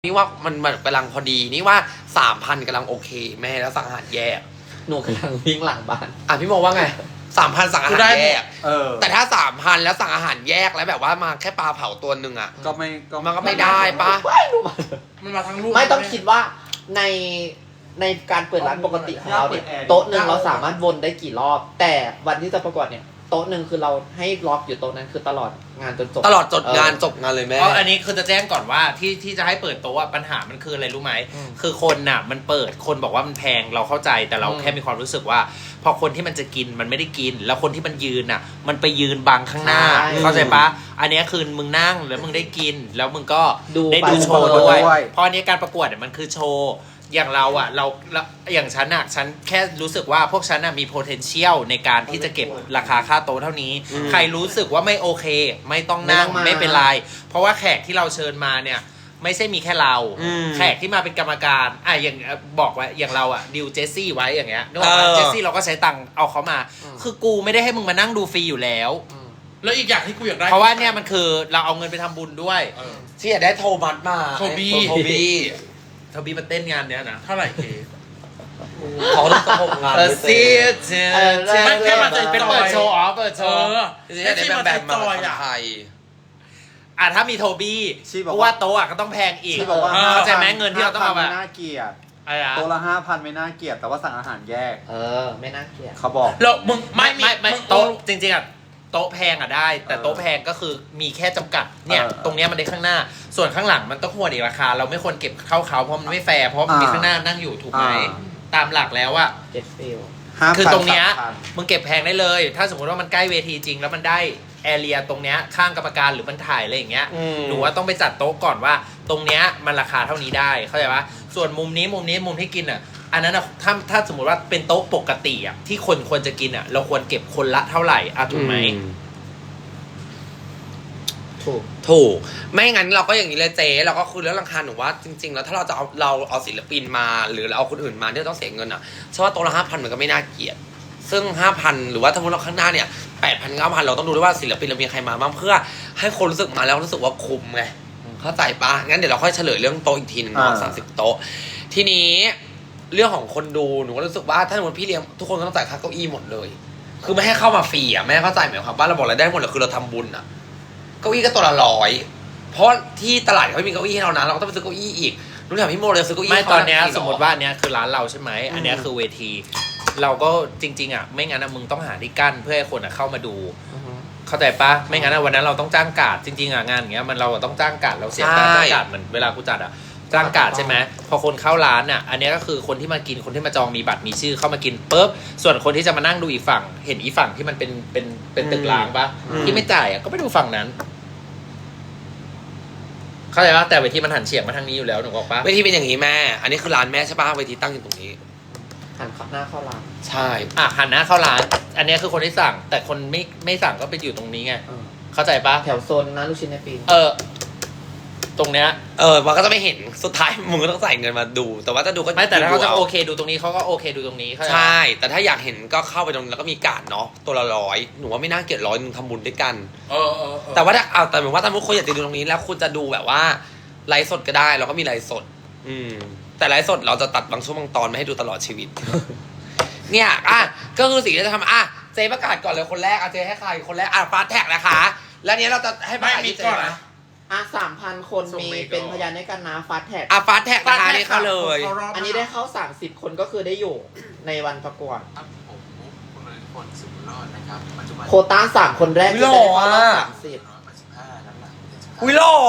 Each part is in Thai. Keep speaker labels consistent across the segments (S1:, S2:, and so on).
S1: นี่ว่ามันกำลังพอดีนี่ว่า3,000กำลังโอเคแม่แล้วสั่งอาหารแยก
S2: หนูกำลังวิ่งหลังบ้าน
S1: พี่โมว่าไง3,000สั่งอาหารแยกแต่ถ้า3,000แล้วสั่งอาหารแยกแล้วแบบว่ามาแค่ปลาเผาตัวนึงอ่ะมันก็ไม่ได้ปะ
S3: มันมาทั้งลูก
S2: ไม่ต้องคิดว่าในการเปิดร้านปกติของเราเนี่ยโต๊ะหนึ่งเราสามารถวนได้กี่รอบแต่วันที่จะประกวดเนี่ยโต๊ะหนึ่งคือเราให้ล็อกอยู่โต๊ะนั้นคือตลอดงานจนจบ
S1: ตลอดจบงานเลยแม่
S3: อันนี้คือจะแจ้งก่อนว่าที่จะให้เปิดโต๊ะปัญหามันคืออะไรรู้ไหมคือคนน่ะมันเปิดคนบอกว่ามันแพงเราเข้าใจแต่เราแค่มีความรู้สึกว่าพอคนที่มันจะกินมันไม่ได้กินแล้วคนที่มันยืนน่ะมันไปยืนบังข้างหน้าเข้าใจปะอันนี้คือมึงนั่งแล้วมึงได้กินแล้วมึงก็ได้ดูโชว์ด้วยเพราะอันนี้การประกวดเนี่ยมันคือโชว์อย่างเราอ่ะเราอย่างฉันแค่รู้สึกว่าพวกฉันอ่ะมี potential ในการที่จะเก็บราคาค่าโต๊ะเท่านี้ใครรู้สึกว่าไม่โอเคไม่ต้องนั่งไม่เป็นไรเพราะว่าแขกที่เราเชิญมาเนี่ยไม่ใช่มีแค่เราแขกที่มาเป็นกรรมการอย่างบอกไว้อย่างเราอ่ะดิวเจสซี่ไว้อย่างเงี้ยนึกว่าเจสซี่เราก็ใช้ตังค์เอาเขามาคือกูไม่ได้ให้มึงมานั่งดูฟรีอยู่แล้ว
S4: แล้วอีกอย่างที่กูอยากได้
S3: เพราะว่าเนี่ยมันคือเราเอาเงินไปทำบุญด้วย
S1: ที่อยากได้โทมัสมา
S4: โทบี้
S3: มาเต้นงานเนี้ยนะ
S4: เท่าไหร่เค
S1: เขาต้องตกงาน
S3: ไม่แค่มาเป็นเปิดโชว์เปิดโชว์
S1: ที่ได้แบบมาไทย
S3: ถ้ามีโทบี้เพราะว่าโต๊ะก็ต้องแพงอีกเข้าใจไหมเงินที่เราต้องเอา
S5: ไม่น่าเกลียดโต๊ะละ5,000ไม่น่าเกลียดแต่ว่าสั่งอาหารแยก
S2: ไม่น่าเกลียด
S5: เขาบอก
S4: แล้วมึง
S3: ไม่โต๊ะจริงๆโต๊ะแพงได้แต่โต๊ะแพงก็คือมีแค่จำกัดเนี่ยตรงเนี้ยมันได้ข้างหน้าส่วนข้างหลังมันต้องควรอีกราคาเราไม่ควรเก็บเข้าเขาเพราะมันไม่แฟร์เพราะมันมีข้างหน้านั่งอยู่ถูกไหมตามหลักแล้วอะคือตรงเนี้ยมึงเก็บแพงได้เลยถ้าสมมติว่ามันใกล้เวทีจริงแล้วมันได้แอเรียตรงเนี้ยข้างกรรมการหรือมันถ่ายอะไรอย่างเงี้ยหนูว่าต้องไปจัดโต๊ะก่อนว่าตรงเนี้ยมันราคาเท่านี้ได้เข้าใจปะส่วนมุมที่กินอ่ะอันนั้นอ่ะถ้าสมมติว่าเป็นโต๊ะปกติอ่ะที่คนควรจะกินอ่ะเราควรเก็บคนละเท่าไหร่ถูกไหม
S1: ถูกไม่งั้นเราก็อย่างนี้เลยเจ๊เราก็คือเรื่องราคาหนูว่าจริงๆแล้วถ้าเราจะเอาศิลปินมาหรือเราเอาคนอื่นมาที่ต้องเสียเงินอ่ะเชื่อว่าโต๊ะละ5,000มันก็ไม่น่าเกลียดซึ่ง 5,000 หรือว่าถ้าเราข้างหน้าเนี่ย 8,000 9,000 เราต้องดูด้วยว่าศิลปินเรามีใครมาบ้างเพื่อให้คนรู้สึกมาแล้วรู้สึกว่าคุ้มไงเข้าใจปะงั้นเดี๋ยวเราค่อยเฉลยเรื่องโต๊ะอีกทีนึงเนาะ30 โต๊ะทีนี้เรื่องของคนดูหนูก็รู้สึกว่าถ้าสมมติพี่เลี้ยงทุกคนก็ต้องจ่ายค่าเก้าอี้หมดเลยคือไม่ให้เข้ามาฟรีแม่เข้าใจไหมครับว่าเราบอกเราได้หมดเลยคือเราทำบุญอะเก้าอี้ก็ตัวละ100เพราะที่ตลาดเขาไม่มีเก้าอี้ให้เรานะเราก็ต้องไปซื้อเก้าอี้อีกรู้ถามพี่โมเลยซื้อเก้าอี้
S3: ไม่ตอนนี้สมมติว่าอันนี้คือร้านเราใช่ไหมอันนี้คือเวทีเราก็จริงๆไม่งั้นมึงต้องหาที่กั้นเพื่อให้คนเข้ามาดูเข้าใจปะไม่งั้นวันนั้นเราต้องจ้างกาดจริงๆงานอย่างเงี้ยมันเราต้องจ้างกาดเราเสียการจ้างกาดเหมือนเวลากูจัดจ้างกาดใช่ไหมพอคนเข้าร้านอันนี้ก็คือคนที่มากินคนที่มาจองมีบัตรมีชื่อเข้ามากินปุ๊บส่วนคนที่จะมานั่งดูอีกฝั่งเห็นอีฝั่งที่มันเป็นตึกร้างปะที่ไม่จ่ายก็ไปดูฝั่งนั้นเข้าใจป่ะแต่เวทีมันหันเฉียงมาทางนี้อยู่แล้วหนูบอกป่ะ
S1: เวทีเป็นอย่างนี้แม่อันนี้คือร้านแม่ใช่ป่ะเวทีตั้งอยู่ตรงนี้
S2: หันหน้าเข้าร้าน
S1: ใช่
S3: หันหน้าเข้าร้านอันนี้คือคนที่สั่งแต่คนไม่สั่งก็ไปอยู่ตรงนี้ไงเข้าใจป่ะ
S2: แถวโซนนะลูกชิ้นในปี
S3: ตรงเนี้ย
S1: มันก็จะไม่เห็นสุดท้ายมึงก็ต้องใส่เงินมาดูแต่ว่าถ้าดูก็
S3: ไม่แต่ถ้าเขาจะโอเคดูตรงนี้เขาก็โอเคดูตรงนี้
S1: ใช่แต่ถ้าอยากเห็นก็เข้าไปตรงแล้วก็มีการ์ดเนาะตัวละ100หนูว่าไม่น่าเกลียด100นึงทำบุญด้วยกันแต่ว่าถ้าแต่เหมือนว่าถ้าคุณอยากจะดูตรงนี้แล้วคุณจะดูแบบว่าไลฟ์สดก็ได้เราก็มีไลฟ์สดแต่ไลฟ์สดเราจะตัดบางช่วงบางตอนไม่ให้ดูตลอดชีวิตเนี่ยก็คือสิ่งที่จะทำเจประกาศก่อนเลยคนแรกเจให้ใครคนแรกฟาสแท็กนะคะแล้วเนี้ยเราจะให้ประกาศที่เจนะ
S2: 3,000 คนมีเป็นพยานในการนะฟาสแท็ก
S1: ฟาสแท็กนะคะนี่เข้าเลย
S2: อันนี้ได้เข้า30 คนก็คือได้อยู่ในวันประกวดโคต้า3 คนแรกจะได้เข้ารอบ30
S1: หล่อ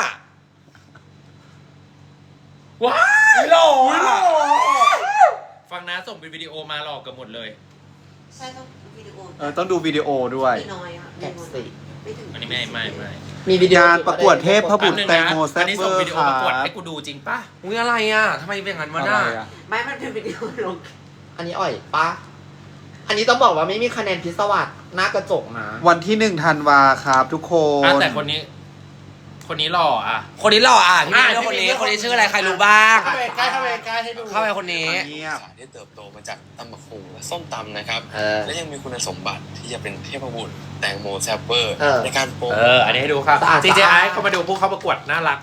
S1: ว้าวหล่อ
S3: ฟังนะส่งเป็นวิดีโอมาหลอกกันหมดเลย
S6: ใช่ต้องวิดีโอ
S5: ต้องดูวิดีโอด้วย
S6: น้อย
S2: แท็กซี่
S3: อันนี้ไม่
S5: มีวิดีโอประกวดเทพพระบุตรแตงโมแซ่บเวอร์ค่ะ
S3: ประกวดให้กูดูจริงป่ะ
S1: อะไรทำไมเป็นอย่างนั้นวะน่ะ
S6: ไม่มันเป็นวิดีโอลง
S2: อันนี้ปะอันนี้ต้องบอกว่าไม่มีคะแนนพิศวาสหน้ากระจกนะ
S5: วันที่1 ธันวาครับทุกคน
S3: แต่คนนี้หล่อ
S1: คนนี้หล่อพี่เลือกคนนี้ชื่ออะไรใครรู้บ้าง
S4: เข้าไปใกล้ให้ดู
S1: เข้าไปคนนี้
S7: ได้เติบโตมาจากตำบักหุ่งและส้มตำนะครับและยังมีคุณสมบัติที่จะเป็นเทพบุตรแตงโมแซบเบอร์ในการโปร
S3: อันนี้ให้ดูครับ CJI เขามาดูผู้เข้าประกวดน่ารักหมด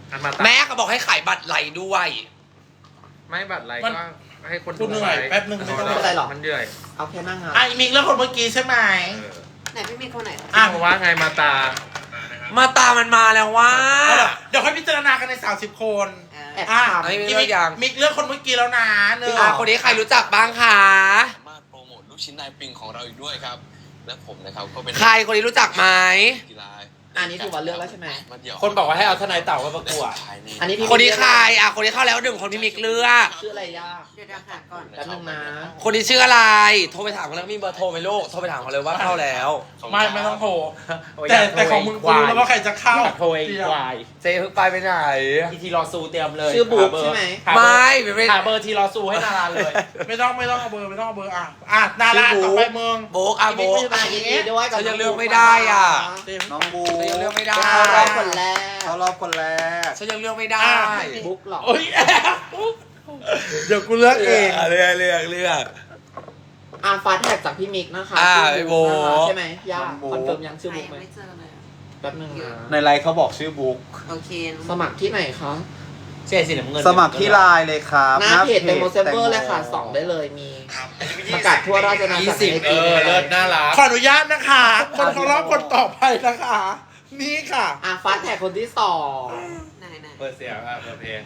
S1: แม่ก็บอกให้ขายบัตรไหลด้วย
S3: ไม่บัตรอะไร
S4: มัน
S3: ก็ให้คน
S4: กูเหนื่อยแป๊บนึงไม่ต้อง
S2: ไม่เป็นไรหรอก
S3: มันเหนื่อย
S2: เอาแค่นั่งงาน
S4: ไอ้มิกแล้วคนเมื่อกี้ใช่ไหม
S6: ไหนพี่มีคนไหน
S3: อ่ะว่าไงมาตา
S1: มาตามมันมาแล้วว่า
S4: เอาล่ะเดี๋ยวค่อยพิจารณากันใน30 คน
S2: แอบ
S4: อ่ะ
S2: ถาม
S1: ไม่
S4: มิ
S1: เลือกยัง
S4: มิกเลือกคนเมื่อกี้แล้วนะเน
S1: คนนี้ใครรู้จักบ้างคะ
S7: สามารถโปรโมทลูกชิ้นนายปิงของเราอีกด้วยครับ และผมนะครับก็เป็น
S1: ใครคนนี้รู้จักไหม
S7: กีฬา
S2: อันนี้ถือว่าเลือกแล้วใช่ไหม
S3: คนบอกว่าให้เอาทนายเต่ามาประกวด
S2: อันนี้พี่
S1: คนนี้ใครคนนี้เข้าแล้วหนึ่งคนพี่มิกเลือก
S2: ชื่ออะไรย่า
S6: เดี๋ยวหาก่อน
S2: แป๊บนึงนะ
S1: คนนี้ชื่ออะไร โทรไปถามเขาแล้วมีเบอร์โทรไหมลูก โทรไปถามเขาเลยว่าเข้าแล้ว
S4: ไม่ต้องโทรแต่ของมึงกูรู้แล้วว่าใครจะเข้า
S3: โทรเองควาย
S1: เจ๊เพิ่งไปไหน
S3: อีทีรอซูเตรียมเลย
S2: ชื่อบุ๊กใช่ไหม
S1: ไม่ไม่
S3: หาเบอร์ทีรอซูให้นาราเลย
S4: ไม่ต้องเอาเบอร์อ่ะนาราต่อไปมึง
S1: โบกอ่ะโบก
S2: มายินดีด้วยกับ
S1: ฉันยังเลือกไม่ได้อ่ะ
S5: น้องบู
S1: ฉันยังเลือกไม่ได้
S2: เข้ารอบคนแรก
S5: เขารอบคนแรก
S1: ฉันยังเลือกไม่ได้
S2: บุ๊กเหรอ
S4: โอ้ยเดี๋ยวกูเลือกเอง
S1: เลือก
S2: ฟาสแท็กจากพี่มิกนะคะ
S1: ไอ้โบ
S2: ใช่ไหมย่าคอนเฟิร์มยังชื่อบุ๊กไหม
S6: ไม่เจอเลย
S2: แป๊บนึงนะ
S5: ในไลน์เขาบอกชื่อบุ๊ก
S6: โอเค
S2: สมัครที่ไหนคะ
S3: เจ๊สีน้ำเงิน
S5: สมัครที่ไลน์เลยครับ
S2: หน้าเพจเต็มโมเซเวอร์เลยค่ะ2ได้เลยมีประกาศทั่วราชอาณาจักรใน
S3: เอ
S2: ปี
S3: อ
S2: นี้
S3: เลิศน่ารัก
S4: ขออนุญาตนะคะ คนเขารอบคนต่อไปนะคะ นี่ค่ะ
S2: ฟาสแท็กคนที่สอง
S6: ไหน
S3: เปิดเสียงเปิดเพลง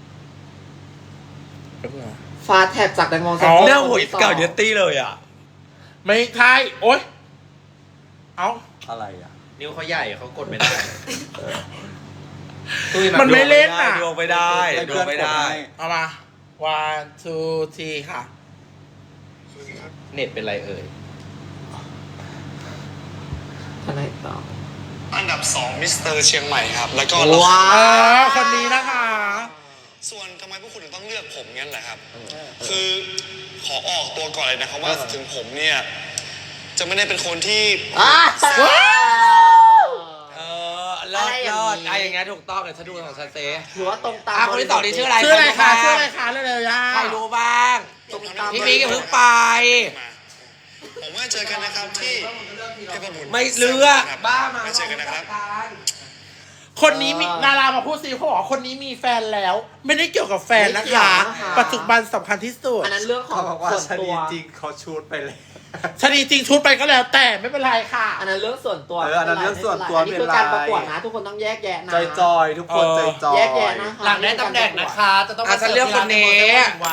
S2: ฟาสแท็กจากแตงโมเซ
S4: อ๋
S2: เวอ
S4: อ
S2: ร์
S1: เนี่ยหัวเก่าเดตตี้เลยอ่ะ
S4: ไม่ใช่โอ๊ยเอา
S5: อะไรอ่ะ
S3: นิ้วเขาใหญ่เขากดไม่ได้
S4: มันไม่เล่นอ่ะ
S1: ดวงไม่ได้ดวงไม่ได้
S4: เอามา one two three ค่ะ
S3: เน็ตเป็นไรเอ่ย
S2: ทนายต่อ
S7: อันดับ 2 มิสเตอร์เชียงใหม่ครับ แล้วก็
S2: ว้า
S4: คนนี้นะคะ
S7: ส่วนทำไมพวกคุณถึงต้องเลือกผมงั้นแหละครับ คือขอออกตัวก่อนเลยนะครับว่าถึงผมเนี่ย จะไม่ได้เป็นคนที่
S1: เลิศอย่างเงี้ยถูกต้องเดี๋ยวฉันดูของฉันเซ่
S2: ถือว่าตรงตาม
S1: คนที่สองนี่ชื่ออะไร
S4: ชื่ออะไรคะเร็วๆย่า
S1: ใครรู้บ้าง พี่มิกอย่าเพิ่งไป
S7: ผมว่าเจอกันนะครับที่เทพบุตร
S1: ไม่เลือกบ้ามา
S7: ไว้เจอกันนะครับ
S4: คนนี้มีนารามาพูดสิเขาบอกว่าคนนี้มีแฟนแล้ว ไม่ได้เกี่ยวกับแฟนนะคะ ปัจจุบันสำคัญที่สุด
S2: อันนั้นเรื่องของ
S5: เขาบอกว่า
S2: ส่วน
S5: ช
S2: ตั
S5: นี
S2: ว
S5: จริงเขาชูดไปเลย
S4: ชนีจริงชุดไปก็แล้วแต่ไม่เป็นไรค่ะ
S2: อันนั้นเรื่องส่วนตัว
S5: อันนั้นเรื่องส่วนตัว
S2: อันนี้คือการ
S5: ไม่
S2: ป
S5: เป็นไร
S2: ระกวดนะ ทุกคนต้องแยกแยะนะ
S5: จอยๆทุกคนจอยๆ
S2: แยกแยะนะคะ
S3: หลังได้ตำแหน่งนะคะ จะต้อง
S1: ฉันเลือกคนนี้
S3: วัน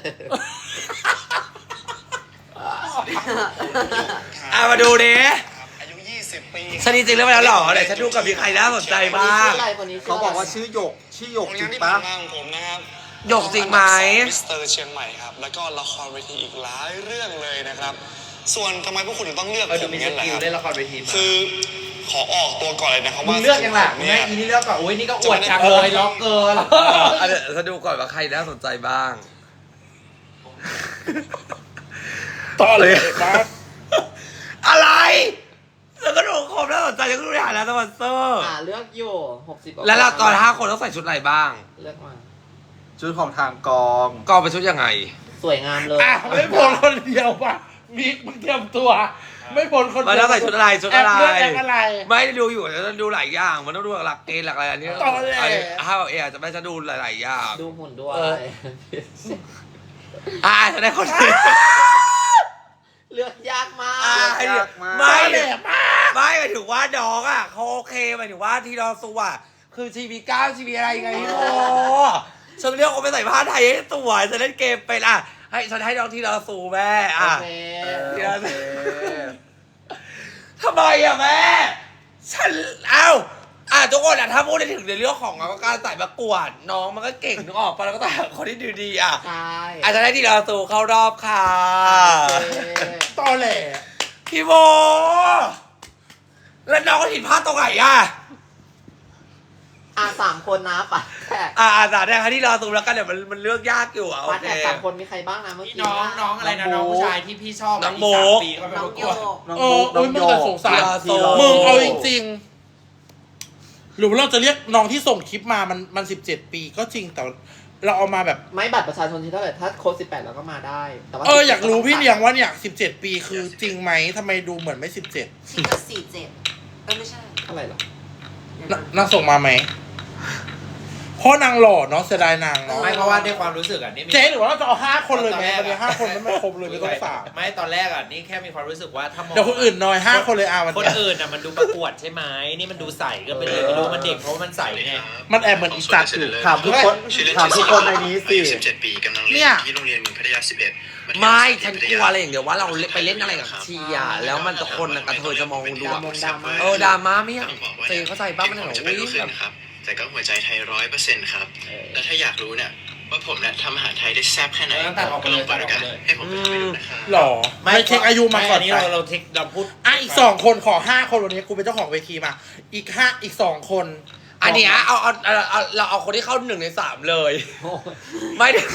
S1: มาดูดิ
S7: อายุ 20 ปี
S1: ชนีจริงเลือกไปแล้วเหรอเดี๋ยวฉันดูกับมีใครน่าสนใจบ้าง
S2: คนนี้ชื่
S5: เขา
S2: ออะไร
S5: บอกว่าชื่อหยกจริง
S7: ที่
S5: ปะ
S7: ผ่านมาของผมนะครับ
S1: หยกจริงไหม
S7: มิสเตอร์เชียงใหม่ครับ แล้วก็ละครเวทีอีกหลายเรื่องเลยนะครับ ส่วนทำไมพวกคุณถึงต้องเลือก
S3: ดู
S7: ผม
S3: มีส
S7: งั้นแหละ
S3: กิ
S7: ค
S3: ล
S7: รับ
S3: เล่นละครเวที
S7: คือขอออกตัวก่อนเลยนะครับ
S3: มึ
S7: ว่าง
S3: เลือกยังล่ะ
S7: ผม
S3: มึง
S7: เนี่
S3: ให้
S7: ย
S3: อีนี่เลือกก่อนอุ้ยนี่ก็อวดจังเลยล็อกเกิน
S1: เดี๋ยวฉันดูก่อนว่าใครน่าสนใจบ้าง
S4: ต่อเลยมา
S1: อะไรแล้วก็ดูครบน่าสนใจฉันก็ดูในฐานะสปอนเซอร์
S2: เลือกอยู่60
S1: แล้วเราตอน5 คนต้องใส่ชุดอะไรบ้าง
S2: เลือกมา
S5: ชุดของทางกอง
S1: ก็เป็นชุดยังไง
S2: สวยงามเลย
S4: อ่ะไม่พ้นคนเดียวป่ะมิกมึงเตรียมตัว ไม่พ้นคน
S1: มัน
S4: เดี
S1: ต้องใส่ชุดอะไรชุดอะไร
S4: แอบเลือกแอบอะไร
S1: ไม่ได้ดูอยู่แต่ต้องดูหลายอย่าง มันต้องดูหลักเกณฑ์หลักอะไรอันนี้
S4: ตอนแรก
S1: ถ้าแบบอาจจะไม่จะดูหลายๆอย่าง
S2: ดูหุ่นด้วย
S1: จะได้คนนี้
S2: เลือกยากมาก
S1: ไม่
S4: แหลมมาก
S1: ไม่หมายถึงว่าน้องอ่ะเขาโอเคหมายถึงว่าที่เราสูอ่ะคือชีวี9ชีวีอะไรไงพี่โมฉันเลือกคนไปใส่ผ้าไทยให้สวยจะเล่นเกมเป็นให้ฉันให้น้องที่เราสูแม่
S2: โอเค
S1: ทำไมแม่ฉันทุกคนถ้าพูดถึงในเรื่องของการใส่ประกวดน้องมันก็เก่งนึกออกปะแล้วก็แต่คนที่ดูดี
S2: ใช่
S1: อาจจะได้ที่เราสูเข้ารอบค่ะ
S4: ตอแหล
S1: พี่โมแล้วน้องก็ผิดพลาดตรงไหน
S2: 3 คนนะปัดแท็ก
S1: สาเนี่ยค่ะที่เราสูแล้วกันเดี๋ยวมันเลือกยากอยู่โอ
S2: ปัด
S1: เค
S2: แท็ก3 คนมีใครบ้างนะเมื่อกี้
S3: น้องอะไรนะน้องผู้ชายที่พี่ชอบ
S1: น้อง
S3: ก
S1: โบ๊
S3: 3
S1: ก
S3: ปีก็ไป
S6: น้อ
S3: ป
S6: ง
S3: ระก
S6: โยว
S3: ด
S6: ก
S5: น้อง
S4: โอ้
S5: บุ๊กน้อง
S4: ยมึง
S5: โย
S4: แต่
S5: ก
S4: สงสาร
S1: ทีละโซ
S4: มึงเอาจริงๆหรือว่าเราจะเรียกน้องที่ส่งคลิปมามัน17 ปีก็จริงแต่เราเอามาแบบ
S2: ไม่บัตรประชาชนที่เท่าไหร่ถ้าโค้ด18เราก็มาได้แต่ว่า
S4: อยากรู้พี่เลี้ยงว่าเนี่ย17 ปีคือจริงไหมทำไมดูเหมือนไม่17
S6: ชิคก็47ไม่ใช่
S2: อะไรหรอ
S4: นางส่งมาไหมเพราะนางหล่อเนาะเสียดายนางเนาะ
S3: ไม่เพราะว่าในความรู้สึกอ่ะนี่มี
S4: เจ๊หรือว่าเราจะเอา5 คนเลยไหมวันนี้5 คนไม่ครบเลยไม่ต้อง3
S3: ไม่ตอนแรกอ่ะนี่แค่มีความรู้สึกว่าถ้ามอง
S4: เดี๋ยวคนอื่นน้อย5 คนเลยวัน
S3: คน
S4: นี้
S3: อื่นอ่ะมันดูประกวดใช่ไหมนี่มันดูใสก็ไปเลยไม่รู้มันเด็กเพราะว่ามันใสไง
S4: มันแอบเหมือนอีสัตว์อยู่
S5: ถามทุกคนถามทุกคนในนี้สิ
S8: 17 ปีกำลัง
S4: เนี่
S8: เรีย
S4: ย
S8: นที่โรงเรียนเมืองพัทยา 11
S1: ไม่ฉันกลัวอะไรอย่างเดียวว่าเราไปเล่นอะไรกับชีอ่ะแล้วมันจะคนกระเทยจะมองดูแบบดราม่าไม่อยากเจเข้าใจป้ามันเหรอ
S8: จะไป
S1: อุ้
S8: รู้
S1: ย
S8: ขึ้
S1: แบ
S8: น
S1: บ
S8: ครับ แต่ก็หัวใจไทย100%ครับ แล้วถ้าอยากรู้เนี่ยว่าผมเนี่ยทำอาหารไทยได้แซ่บแค่ไหน
S3: ตัดออกไป
S8: ก็
S3: เล
S8: ล
S3: ย
S8: งไปด้วยกันให้ผมไปทำให้ดูนะครับ
S4: หรอไม่เช็คอายุมาก่อน
S3: นี้
S4: ไป
S3: เราเทคเราพูด
S4: อีก2 คนขอ5 คนวันนี้กูเป็นเจ้าของเวทีมาอีก2 คน
S1: อันเนี้ยเราเอาคนที่เข้า1 ใน 3เลยไม่ได้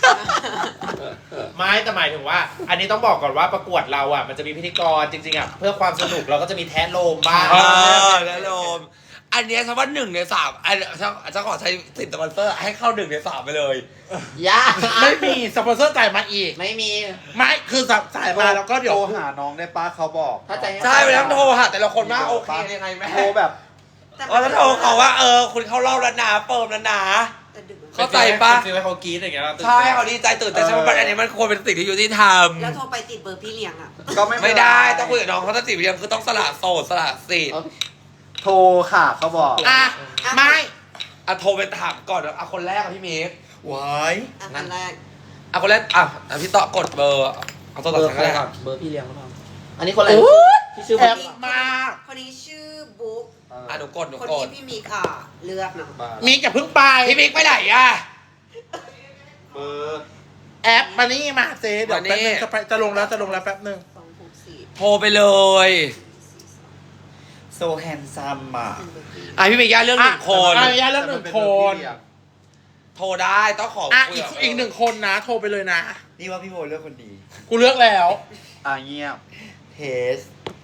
S3: ไม่แต่หมายถึงว่า อันนี้ต้องบอกก่อนว่าประกวดเราอ่ะมันจะมีพิธีกรจริงๆอ่ะเพื่อความสนุกเราก็จะมีแท้โลมบ้าง
S1: แล้วโลมอันเนี้ยฉันว่า1 ใน 3อันฉันขอใช้สิทธิ์สปอนเซอร์ให้เข้า1 ใน 3ไปเลย
S2: ยาก
S4: ไม่มีสปอนเซอร์จ่ายมาอีก
S2: ไม่มี
S4: ไม่คือจ่ายมาแล้วก็เดี๋ยว
S5: โทรหาน้องได้ป้าเขาบอก
S2: ถ้าใจ
S1: ใช่ไปแล้วโทรหาแต่ละคนว่าโอเคยังไงแม่
S5: โทรแบบ
S1: แล้วโทรเขาว่าคุณเข้ารอบแล้วนะเปิมแล้วนะ
S6: แต่ดึกมัน
S1: เข้าใจปะ
S3: ฟิลให้เขากรี๊ดอย่างเงี้ย
S1: ใช่เขาดีใจตื่นแต่ใช่ไหมอันนี้มันควรเป็นสิ่งที่ยุติธรรม
S6: แล้วโทรไปติดเบอร์พี่เลี้ยงอ่ะ
S5: ก็ไม่เป็นร
S1: ไม่ได้ต้องคุยกับน้องเขาตั้งสิบเรียงคือต้องสละโสดสละสิทธิ์
S5: โทรค่ะเขาบอก
S4: อ่ะไม่
S1: โทรไปถามก่อนคนแรกพี่เมฆ
S4: ว้าย
S6: อ่ะคนแรก
S1: คนแรกพี่ต่อกดเบอร์เอาตัว
S2: เบ
S1: ต่
S2: อ
S1: อ
S2: ร์
S1: ทาง
S2: ใคร
S1: แรก
S2: ก่อนเบอร์พี่เลี้ยงหรือเปล่าอันนี้คนอะไรที่ชื่อ
S4: แอ
S2: บุ๊
S4: บ
S2: ก
S4: มาก
S6: คนนี้ชื่อบุ๊ก
S1: หนูกด
S6: คนนี้พี่มีเลือกเนาะ
S4: มีอย่าเพิ่งไป
S1: พี่มิกไปไหนอ่ะ
S5: เบอร์
S4: แอปมานี่มาเจ๊เดี๋ยว
S1: มานี่
S4: แป๊บนึงจะลงแล้วแป๊บนึง
S6: 264
S1: โทรไปเลย
S5: โซแฮนซัมอ่ะ
S1: พี่มิกย่าเรื่อง1 คน
S4: อ่ะย่าเรื่อง1 คน
S1: โทรได้ต้องขอ
S4: อ่ะ
S1: คุย
S4: อีก1 คนนะ โทรไปเลยนะ
S5: นี่ว่าพี่โบเลือกคนดี
S4: กูเลือกแล้ว
S5: เงียบเทส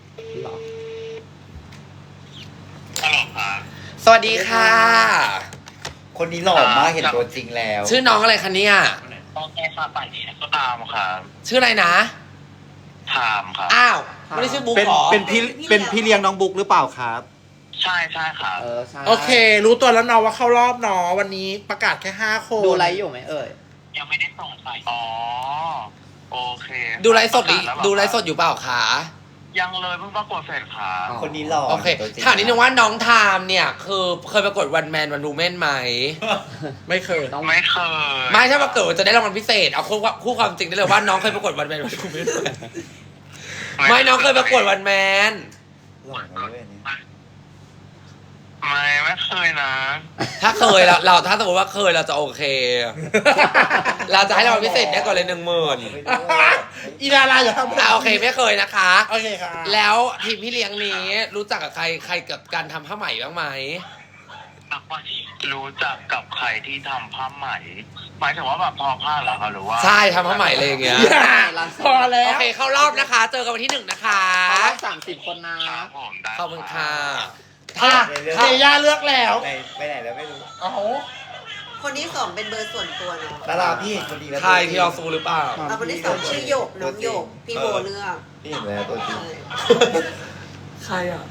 S1: สวัสดีค่ะ
S5: คนนี้หล่อมากเห็นตัวจริงแล้ว
S1: ชื่อน้องอะไรคะเนี่ย
S7: ตามครับ
S1: ชื่ออะไรนะ
S7: ถามครับ
S1: อ้าวไม่ได้ชื่อบุ๊ก
S5: เป็น
S1: หรอ
S5: เป็นพี่เลี้ยงน้องบุ๊กหรือเปล่าครับ
S7: ใช่ครับ
S2: ใช่
S4: โอเค รู้ตัวแล้วเนาะว่าเข้ารอบเนาะวันนี้ประกาศแค่5 คน
S2: ดูไลฟ์อยู่ไหมเอ่ย
S7: ยังไม่ได้ส่งใส่อ๋อ โอเค
S1: ดูไลฟ์สดอยู่เปล่าคะ
S7: ยังเลยเพิ่งประกวดเสร็จครับ
S5: คนนี้หล่อ
S1: โอเคถามนิดนึงว่าน้องไทม์เนี่ยคือเคยประกวดวันแมนวันวูแมนไหม
S4: ไม่เคย
S7: ไม่เคย
S1: ไม่ถ้าประกวดจะได้รางวัลพิเศษเอาคู่ความจริงได้เลยว่าน้องเคยประกวดวันแมนวันวูแมนไม่น้องเคยประกวดวันแมน
S5: หล่อมาเลยเนี่ย
S7: ไม่เคยนะ
S1: ถ้าเคยเราถ้าสมมติว่าเคยเราจะโอเค เราจะให้รางวัลพิเศษได้ก่อนเลย10,000
S4: อีดาราอย่าทำ
S1: โอเคไม่เคยนะคะ
S4: โอเคค่ะ
S1: แล้วทีมพี่เลี้ยงนี้รู้จักกับใครกับการทำผ้าไหมบ้างไหม
S7: รู้จักกับใครที่ทำผ้าไหมหมายถึงว่าแบบทอผ้าเหรอคะหรือว่า
S1: ใช่ทำผ้าไหมเลยอย่างเงี้ย
S4: พอแล้
S1: โอ
S4: ว
S1: เคเข้ารอบนะคะ เจอกันวันที่1นะคะ
S2: เขา30 คนนะ
S7: ครับผมได้
S1: ขอบคุณค่ะ
S4: อ่ะเมย่าเลือกแล้ว
S5: ไปไหนแล้วไม่รู้
S4: เอา
S6: คนที่ 2เป็นเบอร์ส่วนตัวเนาะ
S5: ดาราพี่เห็นคนดีแล้ว
S1: ใครที่เราซูหรือเปล่า
S6: แล้วคนที่ 2ชื่อหยกน้องหยกพี่โบเลือก
S5: พี่เห็นแล้วตัวจริง
S1: ใครอ่ะ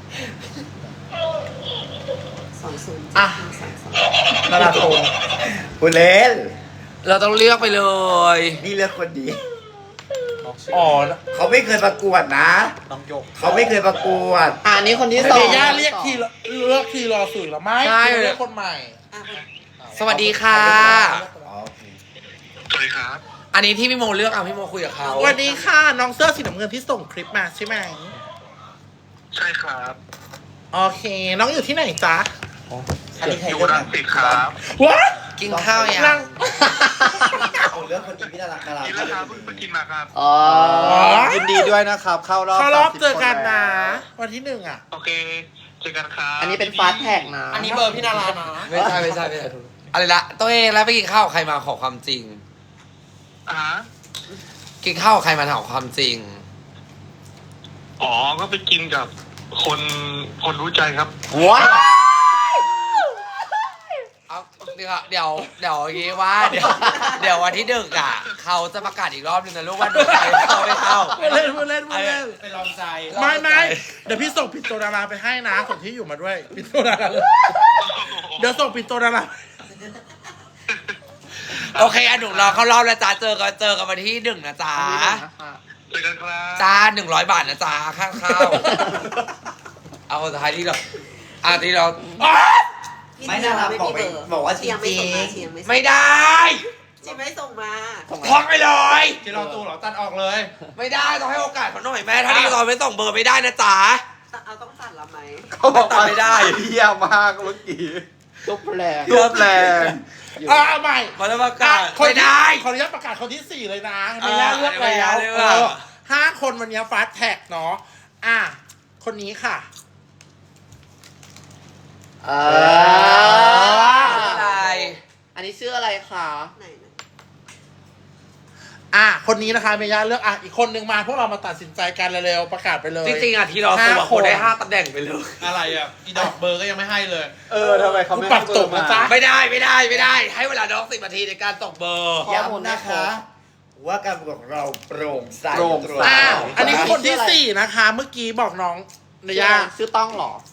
S6: 20
S4: อ่ะ ดาราโทร
S5: คุณเล่น
S1: เราต้องเลือกไปเลย
S5: นี่เลือกคนดี
S4: อ๋อ
S5: เขาไม่เคยประกวดนะน้องยกเขาไม่เคยประกวด
S2: อันนี้คนที่
S4: เม
S2: 2
S4: ย่าเรียกทีรอสื่อแล้วไม่เรียกคนใหม่
S6: อ่ะ
S1: สวัสดีค่ะ
S5: อ๋อโอเค
S7: สวัสดีครับ
S1: อันนี้ที่พี่โมเลือกพี่โมคุยกับเขา
S4: สวัสดีค่ะ น้องเสื้อสีน้ำเงินที่ส่งคลิปมาใช่ไหม
S7: ใช่ครับ
S4: โอเค น้องอยู่ที่ไหนจ๊ะ
S5: อันนี้ใคร
S7: อยู่
S5: เลือก
S7: รังสิตครับ
S4: ว้า
S1: กินข้าวยัง
S4: นั่ง
S5: ผมเลือกคนดีพี่ดารา
S7: กินแล้วครับเพิ่งกินมาครับ
S2: อ๋อ
S5: ยินดีด้วยนะครับ เข้ารอบ
S4: เขารอบ
S5: 30
S4: เจอกันนะ
S5: ค
S4: วันที่1อ่ะ
S7: โอเค เจอกันครับ
S2: อันนี้เป็นฟาสแท็กนะ
S4: อันนี้เบอร์พี่นารานะ
S1: ไม่ใช่อะไรละตัวเองแล้วไปกินข้าวกับใครมาขอความจริง
S7: อ่าฮะ
S1: กินข้าวกับใครมาถามความจริง
S7: อ๋อ ก็ไปกินกับคนรู้ใจครับ
S2: ว้าว
S1: เอาเดี๋ยวอย่างงี้ว่าเดี๋ยววันที่1อ่ะเขาจะประกาศอีกรอบนึงนะลูกว่าดูใครเข้าไม่เข้า
S4: พูดเล่นพูดเล่นพูดเล่น
S3: ไปลองใจ
S4: ไม่เดี๋ยวพี่ส่งปิดโตดาราไปให้นะส่งที่อยู่มาด้วยปิดโตดาราเลยเดี๋ยวส่งปิดโตดารา
S1: โอเคอ่ะหนูรอเข้ารอบแล้วจ้าเจอกันวันที่1นะจ๊ะ
S7: เจอกันครับ
S1: จ้า100 บาทนะจ๊ะค่าข้าวเอาท้ายที่เราที่เรา
S6: พี่
S2: ไม่
S6: เดียว
S2: นะครับ
S6: ไม่
S2: บอ
S6: มี
S2: กไป
S6: เบอร์
S2: บอกว่า
S6: เชียงไม่ส่งมาเชียงไม่ส่ง
S1: ไม่ได้
S6: เชียงไม่ส่งมา
S1: ท้องไปเลย
S3: ที่เราตูเหรอตัดออกเลย
S1: ไม่ได้ต้องให้โอกาสเขาหน่อยแม่ถ้าที่เราไม่ส่งเบอร์ไม่ได้นะจ๊ะ
S6: เอาต้องตัดละไหม
S5: เขาบอก
S1: ตัดไม่ได้
S5: เยี่ยมมากเมื่อกี้
S2: ทุบแรง
S5: รวบแรง
S4: เอาใหม่
S1: มาแล้วประกาศ
S4: คน
S1: ไม่
S4: ที่
S1: ได้
S4: ขออนุญาตประกาศคนที่ 4 เลยนะไม่ยากเลือก
S1: ไม่
S4: แล้
S1: ยาก
S4: ว
S1: เลือก
S4: 5 คนวันนี้ฟาสแท็กเนาะคนนี้ค่ะ
S1: อะไร
S2: อันนี้ชื่ออะไรคะ
S6: ไหนนะ
S4: คนนี้นะคะเมย่าเลือกอีกคนนึงมาพวกเรามาตัดสินใจกันเร็วๆประกาศไปเลย
S1: จริงๆอ่ะที่เราตัว
S4: 5
S1: คนได้5 ตำแหน่งไปเลย
S3: อะไรอ่ะอีดอกเบอร์ก็ยังไม่ให้เลย
S5: ทำไมเขาไม่
S4: ปรับตกนะจ๊ะ
S1: ไม่ได้ ให้เวลาน้อง10 นาทีในการส่งเบอร์
S2: ข้อมูลนะคะ
S9: ว่าการประกวดของเราโปร่งใส
S5: โปร่งใส
S4: อันนี้คนที่ 4 นะคะ เมื่อกี้บอกน้องเมย่า
S2: ชื่อต้องเหรอ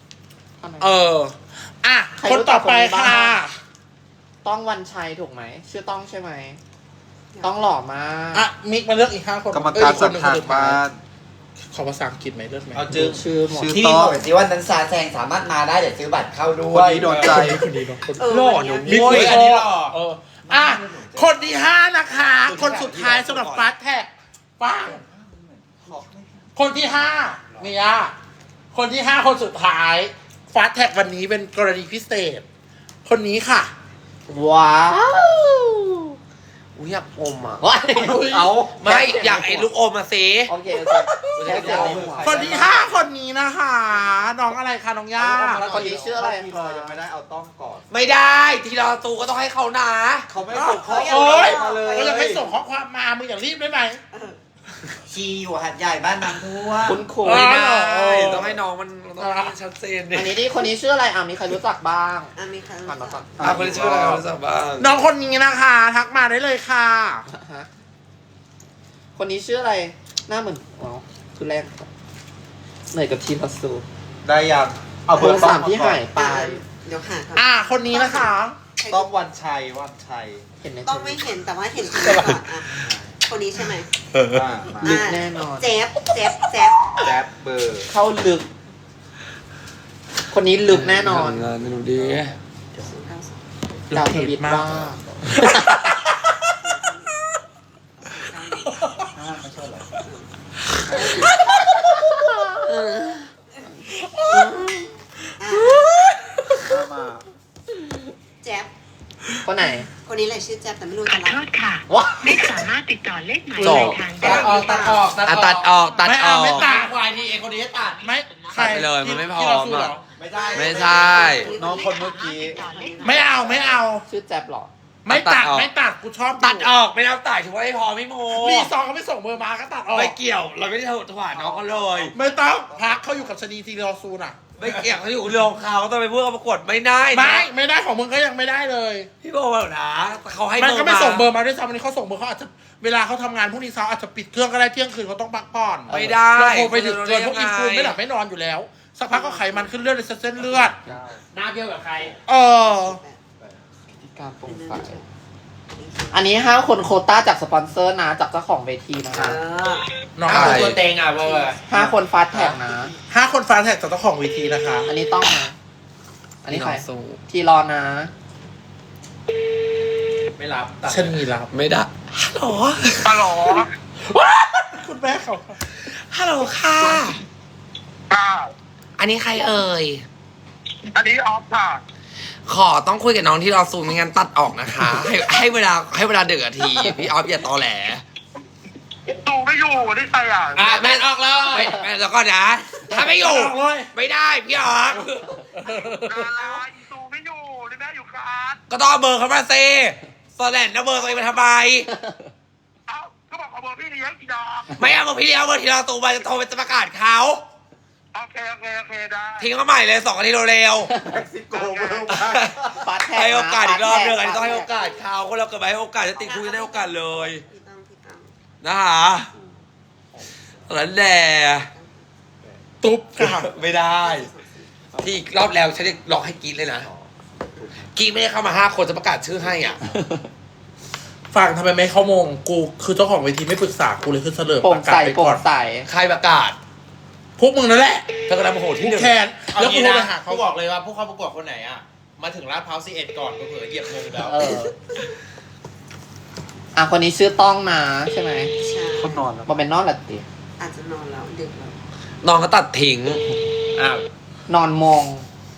S4: คนต่อไปค่ะ
S2: ต้องวันชัยถูกไหมชื่อต้องใช่ไหมต้องหล่อมาก
S4: มิกมาเลือกอีก5 คน
S5: กรรมการ
S4: ค
S5: สั
S4: น
S5: ก
S4: หนึ่ง
S5: หั
S4: คน
S5: ก
S4: สุดท้าม
S5: าย
S4: ขอภาษาอังกฤษไหมเลือกไหม
S3: เอาจึง
S2: ชื่อหมด
S5: ชื่อ
S9: ที่
S5: ต้
S9: มี
S5: อง
S9: บอกสิว่านันซาแซงสามารถมาได้เดี๋ยวซื้อบัตรเข้าด้
S5: ค
S9: วน ย
S5: นี้โดนใจ
S4: คนนี้เนาะคน
S1: หล่อหนู
S4: มิก
S1: โว้ย
S4: อันนี้หล่อคนที่ 5 นะคะ คนสุดท้ายสำหรับฟาสแท็กปังคนที่5เมียคนที่ 5 คนสุดท้ายฟาสแท็กวันนี้เป็นกรณีพิเศษ คนนี้ค่ะ
S2: ว้าว
S1: อุ้ยอยากอมอ่ะ
S2: ว้าย
S5: เอา
S1: ไม่อยากไอ้ลูกอมมาสิ
S2: โอเคแค่เดียว
S4: คนที่ 5 คนนี้นะคะ น้องอะไรคะน้องย่า
S2: คนนี้ชื่ออะไร
S5: ที่เรายังไม่ได้เอาต้องก่อน
S1: ไม่ได้ที่เราตูก็ต้องให้เขานะ
S5: เขาไม่ส่งข้อ
S4: โอ๊ย
S5: มาเลย
S4: ก็ยังไม่ส่งข้อความมามึงอย่ารีบได้ไหม
S9: ชีอยู่หัดใหญ่บ้านน้ำท่วม
S2: คุณครู
S1: ไม่ได้
S4: เออ
S1: ต้องให้น้องมันต้องให้ชัดเจนดิ
S2: อันนี้ที่คนนี้ชื่ออะไรมีใครรู้จักบ้าง
S6: มีใครรู้
S2: ผ่านมา
S6: จั
S2: ก่อก น
S1: คนที่ชื่ออะไรคนสักบ้าง
S4: น้องคนนี้นะคะ ทักมาได้เลยค่ะ
S2: ฮะคนนี้ชื่ออะไรหน้าเหมือนคือแรกเหนื่อยกับทีมพัสซู
S5: ได้ยังเอา
S2: เบ
S5: เบ
S2: อ
S5: อร์
S2: ร์
S5: ต้อง
S2: สามที่หายไป
S6: เดี๋ยวหาครับ
S4: คนนี้นะคะ
S5: ต้องวันชัย
S2: เห็นไหม
S6: ต้องไม่เห็นแต่ว่าเห็นคนนี้ก่อนคนนี้ใช่ไหม
S5: มา
S2: ลึกแน่นอน
S6: เจ็บ
S5: แจ๊บเบอร์
S2: เข้าลึก คนนี้ลึกแน่นอน
S1: งานดูดี
S2: ดาวทวิตบ้า
S5: มา
S6: แจ๊บ
S2: คนไหน
S6: คนนี้เลยชื่อแจ๊บแต่ไม่รู้
S10: ขอ
S6: จะ
S10: โท
S6: รับ
S10: ษค่ะ
S2: ว้า
S10: ไม่สามารถติดต่อเลขหมาย
S1: จ
S10: ป
S1: บ
S10: ลายทางได้
S1: ตัดออก
S4: ไม่ตัด
S3: ควายทีเองคนนี้ให้ตัด
S4: ไม่ใคร
S1: ตัดไปเลยมันไม่พอ
S4: ที่เราสู้เหรอ
S5: ไม่ได้
S1: ไม่ใช่
S5: น้องคนเมื่อกี้
S4: ไม่เอา
S2: ชื่อแจ๊บเหรอ
S4: ไม่ตัด
S1: ตัดออก
S4: ไม่ตัดกูชอบ
S1: ตัดออกไม่ได้ตัดถือว่าไม่พอไม่โม
S4: รีซองเขาไม่ส่งเบอร์มาก็ตัดออก
S1: ไม่เกี่ยวเราไม่ได้ถวายน้องเขาเลย
S4: ไม่ต้องพักเขาอยู่กับชนีทีรอซูน่ะ
S1: ไม่เกี่ยวเขาอยู่เรื่องของเขาต้องไปพูดกับประกวดไม่ได้นะ
S4: ไม่ได้ของมึงก็ยังไม่ได้เลย
S1: พี่โบบอกนะเขาให้
S4: มัน
S1: เบอร์
S4: ก็ไม่
S1: มา
S4: ส่งเบอร์มาด้วยซ้ำวันนี้เขาส่งเบอร์เขาอาจจะเวลาเขาทำงานพรุ่งนี้เช้าอาจจะปิดเครื่องก็ได้เที่ยงคืนเขาต้องพักผ่อน
S1: ไม่ได้
S4: เราโทรไปถึงเกินพวก
S1: ยั
S4: อี
S1: งไง
S4: ฟูนไม่หลับไม่นอนอยู่แล้ว สักพักก็ไขมันขึ้นเลือดในเส้นเลือด
S3: หน้าเบี้ยวกับใคร
S2: ที่การโปร่งใสอันนี้5 คนโควต้าจากสปอนเซอร์นะ จากเจ้าของเวทีนะคะ
S4: น้อง
S3: เอาตัวเต็งอ่ะเบอร์
S2: 5 คนฟาสแท็กนะ
S4: 5 คนฟ้าแท็กจากเจ้าของเวทีนะคะ
S2: อันนี้ต้องนะ อันนี้ใคร
S1: สู้
S2: ทีรอนะ
S3: ไม่รับตัด
S4: ชนีรับ
S1: ไม่ได้ฮัลโหล
S4: คุณแม่เขา
S1: ฮัลโหลค่ะ อันนี้ใครเอ่ย
S10: อันนี้ออฟค่ะ
S1: ขอต้องคุยกับน้องที่รอซูมไม่งั้นตัดออกนะคะ ให้เวลา1 นาที พี่ออฟอย่าตอแหล
S10: ตูไม่อยู่ได้ไปอ่ะ
S1: แม่ออกเลยแม่แล้วก็นะ ถ้าไม่อยู่
S4: ออกเลย
S1: ไม่ได้พี่ออฟ
S10: ตูไม่อยู่ได้แม่อยู่กับ
S1: ก็ต้องเอาเบอร์เขามาซิสแลนด์แล้วเบอร์ตัวเองมาทำไม
S10: เอ้าก็บอกเอาเบอร์พี่เลี้ยงอีดอก
S1: ไม่เอาเบอร์พี่เลี้ยงเบอร์ที่เราตูมาจะโทรไปจะประกาศเขา
S10: โอเคได้
S1: ทิ้งเขาใหม่เลย2 นาทีเร็ว
S5: เม็กซิโกเบอร์มา
S2: ฟาส
S1: ๆ
S2: แท็ก
S1: ให้โอกาสอีกรอบหนึงอันนี้ต้องให้
S2: ฟ
S1: โอกาสเขาคนเราเกิดมาให้โอกาสจะติดคุยจะได้โอกาสเลย
S6: พี่ตั้ง
S1: นะคะแล้วแหละ
S4: ตุ๊บค่ะ
S1: ไม่ได้ ที่อีกรอบแล้วฉันจะล็อกให้กรีดเลยนะกี้ไม่ได้เข้ามา5 คนจะประกาศชื่อให้อ่ะ
S4: ฟังทำไมไม่เข้ามงกูคือเจ้าของเวทีไม่ปรึกษากูเลยคือเสลอ
S2: โปร่
S4: ป
S2: ง
S4: ระกา
S2: ใส
S4: ศไป
S2: โปร่
S4: ก่อง น
S2: ใส
S1: ใครประกาศ
S4: พวกมึงนั่นแหละ
S1: เธอกำลังโมโหที่หนึ่ง
S4: แคน
S3: เอา
S4: แล้วกู
S3: งี้
S4: โทร
S3: นะ
S4: ไปหา
S3: เขา
S4: เขา
S3: บอกเลยว่าผู้เข้าประกวดคนไหนอ่ะมาถึงลาดพร้าว11ก่อนก็เผื่อเหยียบมงแล้ว
S2: เอออ่ะคนนี้ชื่อต้องนะใช่ไหม
S6: ใช่
S5: เขานอนแล้ว
S2: มันเป็นนอนหลับตี
S6: อาจจะนอนแล้วดึกแล้ว
S1: น้องก็ตัดทิ้ง
S3: อ้าวน
S2: อนมง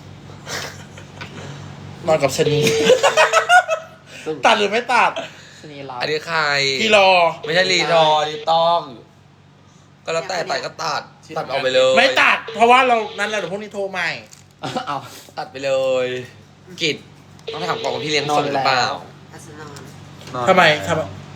S4: นอนกับชะนี ตัดหรือไม่ตัด
S2: ชนีรับ
S1: อันนี้ใคร
S4: พี่รอ
S1: ไม่ใช่รีรอนี่ต้อง ก็แล้วแต่ตัดก็ตัดเอาไปเลย
S4: ไม่ตัด เพราะว่าเรานั้นแหละเดี๋ยวพวกนี้โทรใหม่
S2: เอา
S1: ตัดไปเลยกิจต้องถามก่อนว่าพี่เลี้ยงส่งหรือเปล่า
S6: อาจจะนอน
S5: นอน
S4: ทำไม
S5: แล้ว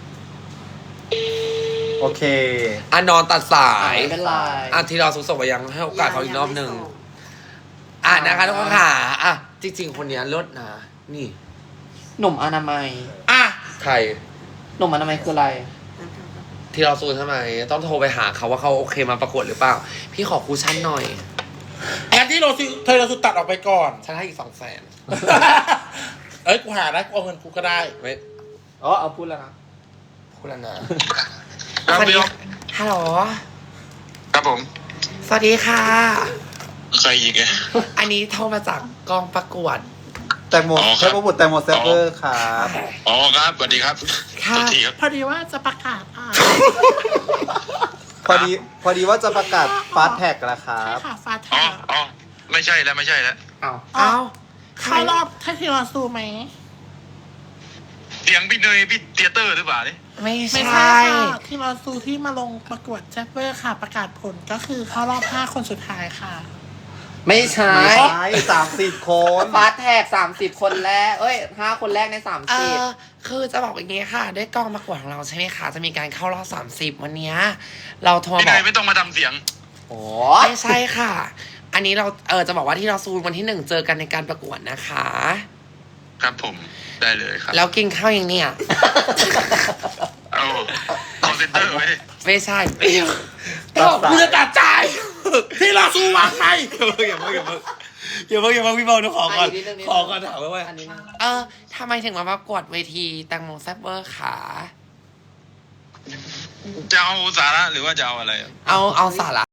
S5: โอเค
S1: อ่ะนอนตัดสา
S2: อ่ะ
S1: ย
S2: ไม่เป็นไร
S1: อ่ะที่เราส่งไปยังให้โอกาสเขาอีกรอบหนึ่งอ่ะนะคะทุกคนค่ะอ่ะจริงๆคนเนี้ยลดนะนี่
S2: หนุ่มอนามัย
S4: อ่ะ
S1: ใคร
S2: หนุ่มอนามัยคืออะไร
S1: ที่เราซูนใช่ไหมต้องโทรไปหาเขาว่าเขาโอเคมาประกวดหรือเปล่า พี่ขอคูชั่นหน่อย
S4: งั้นที่เราซื้อเธอเราซื้อตัดออกไปก่อน
S1: ฉันให้อีก200,000
S4: เอ้ยกูหาได้กูเอาเงินกูก็ได้
S1: ไม่
S2: อ๋อเอาพูดแล้วนะ
S1: พูดแล้วนะ
S10: ครับ
S1: สวัสดี
S10: เดี๋ยว
S1: ฮัลโหล
S10: ครับผม
S1: สวัสดีค่ะ
S10: ใครอีกอะ
S1: อันนี้โทรมาจากกองประกวด
S5: แตงโมเทพบุตรแตงโมเซฟเวอร์ครับ
S10: อ๋อครับสวัสดีครับ
S1: ค่ะ
S10: สวัสดีครับ
S4: พอดีว่าจะประกาศ
S5: พอดีว่าจะประกาศฟาสแท็กแล้วครับ
S4: ค่ะฟา
S10: อ๋ออ๋อไม่ใช่แล้วไม่ใช่แล้ว
S2: เอา
S1: เอ้า
S4: เข้ารอบถ้าที่เราซูไหม
S10: เสียงพี่เนยพี่เตียเตอร์หรือเปล่านี่
S1: ไม่
S4: ไม่
S1: ใช่
S4: ใช่ค่ะที่เราซูที่มาลงประกวดแจ็คเวอร์ค่ะ ประกาศผลก็คือเข้ารอบ5 คนสุดท้ายค่ะ
S2: ไม่ใช่
S5: ไม่ใช่30 คน
S2: ฟาสแท็ก30 คนแรก เอ้ย5 คนแรกใน
S1: คือจะบอกอย่างงี้ค่ะ ด้วยกองประกวดของเราใช่ไหมคะ จะมีการเข้ารอบ30 วันเนี้ยเราโทร
S10: พี่
S1: บ
S10: เน
S1: อก
S10: ยไม่ต้องมาทำเสียง
S2: 30 โอ้
S1: ไม่ใช่ค่ะ อันนี้เราจะบอกว่าที่เราซูนวันที่1เจอกันในการประกวดนะคะ
S10: ครับผมได้เลยครับ
S1: แล้วกินข้าวยังเนี่ย
S10: เอาคอนเซนเตอร์ไว้
S1: ไม่ใช่
S4: กูจะตัดจ่ายที่เราซูวางไป
S1: อย่าเพิ่งพี่บอลขอก่อนขอก่อนถามว่า
S2: อันนี้นะ
S1: ทำไมถึงมาประกวดเวทีแตงโมแซบเวอร์ขา
S10: จะเอาสาระหรือว่าจะเอาอะไรอะ
S1: เอาสาระ